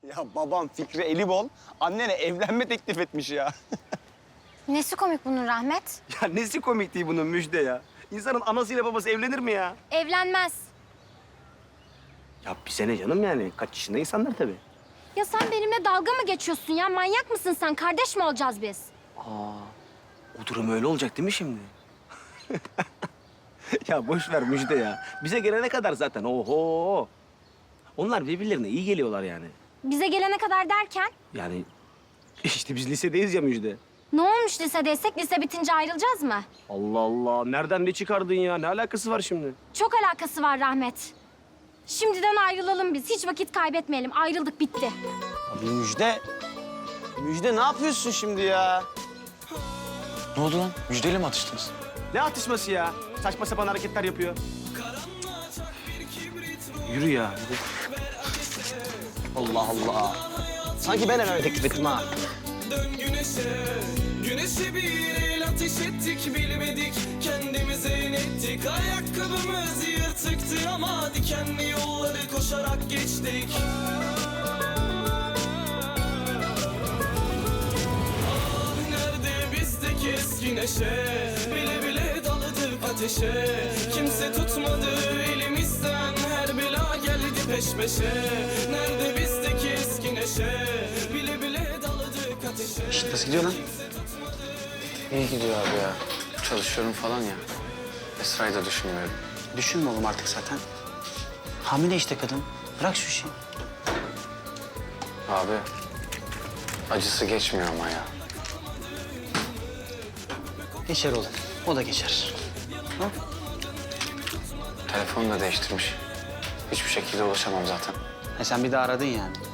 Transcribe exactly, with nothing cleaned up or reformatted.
Ya babam Fikri Elibol annene evlenme teklif etmiş ya. Nesi komik bunun Rahmet? Ya nesi komik değil bunun Müjde ya? İnsanın anasıyla babası evlenir mi ya? Evlenmez. Ya bize ne canım yani? Kaç yaşında insanlar tabii. Ya sen benimle dalga mı geçiyorsun ya? Manyak mısın sen? Kardeş mi olacağız biz? Aa, o durum öyle olacak değil mi şimdi? Ya boş ver Müjde ya. Bize gelene kadar zaten oho. Onlar birbirlerine iyi geliyorlar yani. Bize gelene kadar derken? Yani işte biz lisedeyiz ya Müjde. Ne olmuş lisedeysek? Lise bitince ayrılacağız mı? Allah Allah. Nereden ne çıkardın ya? Ne alakası var şimdi? Çok alakası var Rahmet. Şimdiden ayrılalım biz. Hiç vakit kaybetmeyelim. Ayrıldık, bitti. Abi Müjde. Müjde ne yapıyorsun şimdi ya? Ne oldu lan? Müjdeyle mi atıştınız? Ne atışması ya? Saçma sapan hareketler yapıyor. Yürü ya. Yürü. Allah Allah. Sanki ben evlenme teklif ettim ha. Dön güneşe, güneşe bir el ateş ettik bilmedik. Kendimize inettik, ayakkabımız yırtıktı ama dikenli yolları koşarak geçtik. Ah nerede bizdeki eski neşe, bile bile daladık ateşe. Kimse tutmadı elimizden, her bela geldi peş peşe. Nerede bizdeki eski neşe, bile bile daladık ateşe. Şişt, nasıl gidiyor lan? İyi gidiyor abi ya. Çalışıyorum falan ya. Esra'yı da düşünmüyorum. Düşünme oğlum artık zaten. Hamile işte kadın. Bırak şu işi. Abi, acısı geçmiyor ama ya. Geçer oğlum. O da geçer. Ha? Telefonu da değiştirmiş. Hiçbir şekilde ulaşamam zaten. Ha, sen bir daha aradın yani.